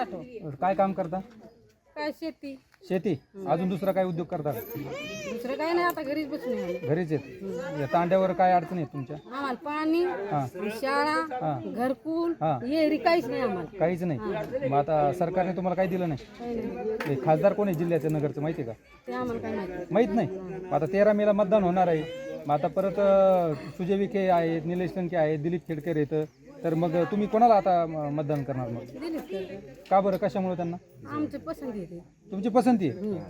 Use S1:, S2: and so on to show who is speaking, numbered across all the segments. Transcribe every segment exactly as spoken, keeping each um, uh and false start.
S1: साठव.
S2: काय काम करता?
S1: काय शेती,
S2: शेती. अजून दुसरा काय उद्योग करता का?
S1: दुसरं काय नाही, आता घरीच बसून आहे आम्ही.
S2: घरीच आहेत. या तांड्यावर काय अडचण आहे तुमच्या?
S1: आम्हाला पाणी, शाळा, घरकुल, येरी काहीच नाही आम्हाला.
S2: काहीच नाही. मग आता सरकारने तुम्हाला काही दिलं नाही?
S1: काही नाही.
S2: हे खासदार कोण आहे जिल्ह्याचे नगरचं माहिती आहे का?
S1: ते आम्हाला काय माहिती.
S2: माहीत नाही. मग आता तेरा मेला मतदान होणार आहे. मग आता परत अ, सुजय विखे आहेत, निलेश लंके आहेत, दिलीप खेडकर येतं. तर मग तुम्ही कोणाला आता म- मतदान करणार मग?
S1: दिलीप खेळकर.
S2: का बरं, कशामुळे त्यांना?
S1: आमची पसंती आहे.
S2: तुमची पसंती आहे?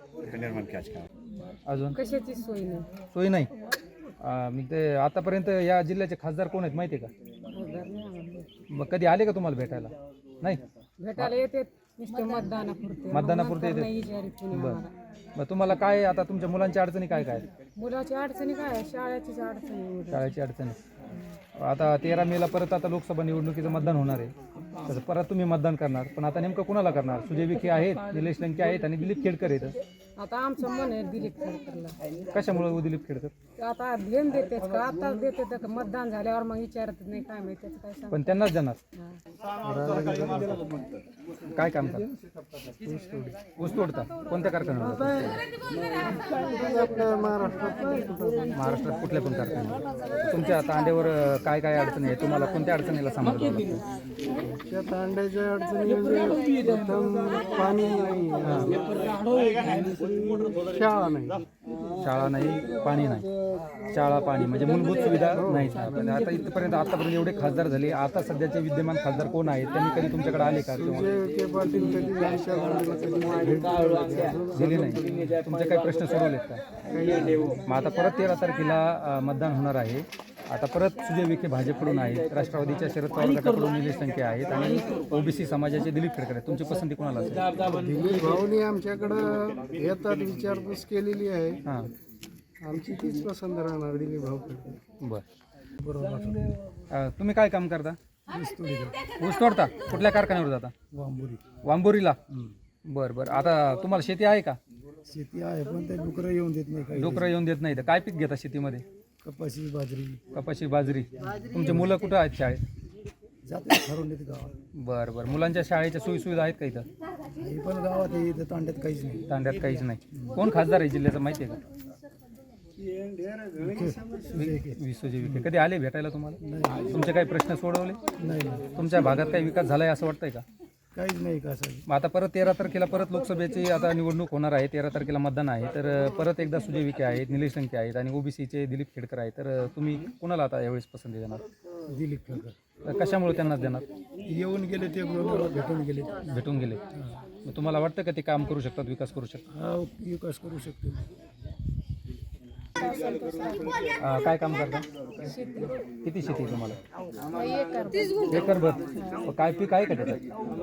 S2: अजून
S1: कशाची सोय नाही.
S2: सोय नाही. अ, मग ते आतापर्यंत या जिल्ह्याचे खासदार कोण आहेत माहिती आहे का?
S1: रोजगार नाही आम्हाला.
S2: मग कधी आले का तुम्हाला भेटायला? नाही.
S1: भेटायला येते नुसते मतदानापुरते.
S2: मतदानापुरते येते.
S1: नाही विचारित कोणी
S2: बरं.
S1: आम्हाला.
S2: मग तुम्हाला काय आता तुमच्या मुलांच्या अडचणी काय काय आहेत?
S1: मुलाची अडचणी काय आहे? शाळेचीच अडचणी आहे.
S2: शाळेची अडचणी. आता तेरा मेला परत आता लोकसभा निवडणुकीचं मतदान होणार आहे. तर परत तुम्ही मतदान करणार, पण आता नेमकं कुणाला करणार? सुजय विखे आहेत, निलेश लंके आहेत आणि दिलीप खेडकर आहेत.
S1: आता आमचं मन आहे दिलीप खेळकरला.
S2: कशामुळे हो दिलीप खेडकर?
S1: ते आता घेऊन देतेच का आता देते का मतदान झाल्यावर मग विचारत नाही काय माहिती त्याचं काय सांग.
S2: पण त्यांनाच देणार. काय काम करतात? ऊस तोडता. कोणत्या कारखान्यावर? महाराष्ट्रात कुठल्या पण कारखान्यावर. तुमच्या तांड्यावर अ, काय काय अडचणी आहे? तुम्हाला कोणत्या अडचणीला सामोरं जावं लागतं?
S3: त्या तांड्याच्या अडचणी म्हणजे प्रथम पाणी नाही, शाळा नाही.
S2: शाळा नाही, पाणी नाही. शाळा, पाणी म्हणजे मूलभूत सुविधा नाहीच. पण आता इथपर्यंत आतापर्यंत एवढे खासदार झाले, आता सध्याचे विद्यमान खासदार कोण आहेत? त्यांनी कधी तुमच्याकडे आले का? किंवा
S3: जे के पाटील कधी त्यांच्या मुलीला कधी भेट
S2: दिले नाही? तुमचे काही प्रश्न सोडवलेत का? मग आता परत तेरा तारखेला अ, मतदान होणार आहे. आता परत सुजय विखे भाजपकडून आहेत, राष्ट्रवादीच्या शरद पवार गटाकडून निलेश लंके आहेत आणि ओबीसी समाजाचे दिलीप खेडकर आहेत. तुमची पसंती कोणाला असेल?
S3: दिलीप भाऊनी आमच्याकडं येतात विचारपूस केलेली आहे.
S2: हां,
S3: आमची तीच पसंत राहणार दिलीप भाऊ.
S2: बरं.
S3: बरोबर.
S2: अ, तुम्ही काय काम करता? ऊस तोडता. कुठल्या कारखान्यावर जाता?
S3: वांबुरी
S2: वांबोरीला. बरं बरं. आता तुम्हाला शेती आहे का?
S3: शेती आहे पण ते डुकरं येऊन देत नाही काही.
S2: डोकरं येऊन देत नाही. तर काय पीक घेता शेतीमध्ये?
S3: कपाशी बाजरी
S2: कपाशी, बाजरी. तुमची मुलं कुठं आहेत शाळेत?
S3: जाते ठरवून येते गावात.
S2: बरं बरं. मुलांच्या शाळेच्या सोयीसुविधा आहेत का इथं?
S3: हे पण गावात आहे, इथं तांड्यात काहीच नाही.
S2: तांड्यात काहीच नाही. कोण खासदार आहे जिल्ह्याचं माहिती आहे का? विश्वजी विखे. कधी आले भेटायला तुम्हाला? तुमचे काही प्रश्न सोडवले?
S3: नाही,
S2: तुमच्या भागात काही विकास झालाय असं वाटतंय का?
S3: काहीच नाही का सर.
S2: मग आता परत तेरा तारखेला परत लोकसभेची आता निवडणूक होणार आहे. तेरा तारखेला मतदान आहे. तर अ, परत एकदा सुजय विखे आहेत, निलेश लंके आहेत आणि ओबीसीचे दिलीप खेडकर आहेत. तर अ, तुम्ही कुणाला आता यावेळेस पसंती देणार?
S3: दिलीप खेळकर
S2: तर कशामुळे त्यांनाच देणार?
S3: येऊन गेले ते बरोबर भेटून गेले.
S2: भेटून गेले. मग तुम्हाला वाटतं का ते काम करू शकतात, विकास करू शकतात?
S3: हा विकास करू शकतो.
S2: अ, काय काम करता? किती शेती आहे तुम्हाला? एकर भर. काय पीक आहे का त्याच्यात?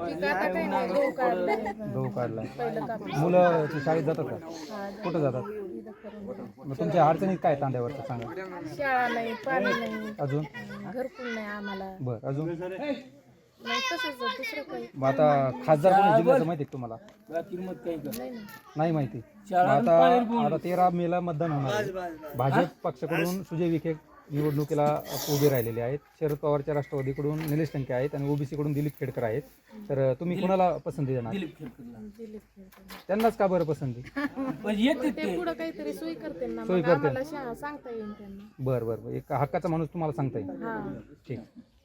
S2: गहू काढला. मुलं शाळेत जातात का? कुठं जातात? मग तुमच्या अडचणीत काय तांड्यावरचं सांगा?
S1: शाळा नाही, पाणी नाही,
S2: अजून?
S1: घरकुल नाही आम्हाला.
S2: बरं. अजून?
S1: नाही तसंच दुसरं काही
S2: मग आता खासदार कोण जिल्ह्याचं माहिती आहे का तुम्हाला? नाही माहिती. मग आता आता तेरा मेला मतदान होणार आहे. भाजप पक्षाकडून सुजय विखे निवडणुकीला उभे राहिलेले आहेत. शरद पवारच्या राष्ट्रवादीकडून निलेश लंके आहेत आणि ओबीसी कडून दिलीप खेडकर आहेत. तर तुम्ही कुणाला पसंती देणार? त्यांनाच का बरं पसंती?
S1: ते पुढं काहीतरी सोय करते ना,
S2: सोय
S1: मग
S2: करते.
S1: आम्हाला शा- सांगता येईल त्यांना.
S2: बरं बरं बरं. एक हक्काचा माणूस तुम्हाला सांगता येईल.
S1: हा.
S2: ठीक.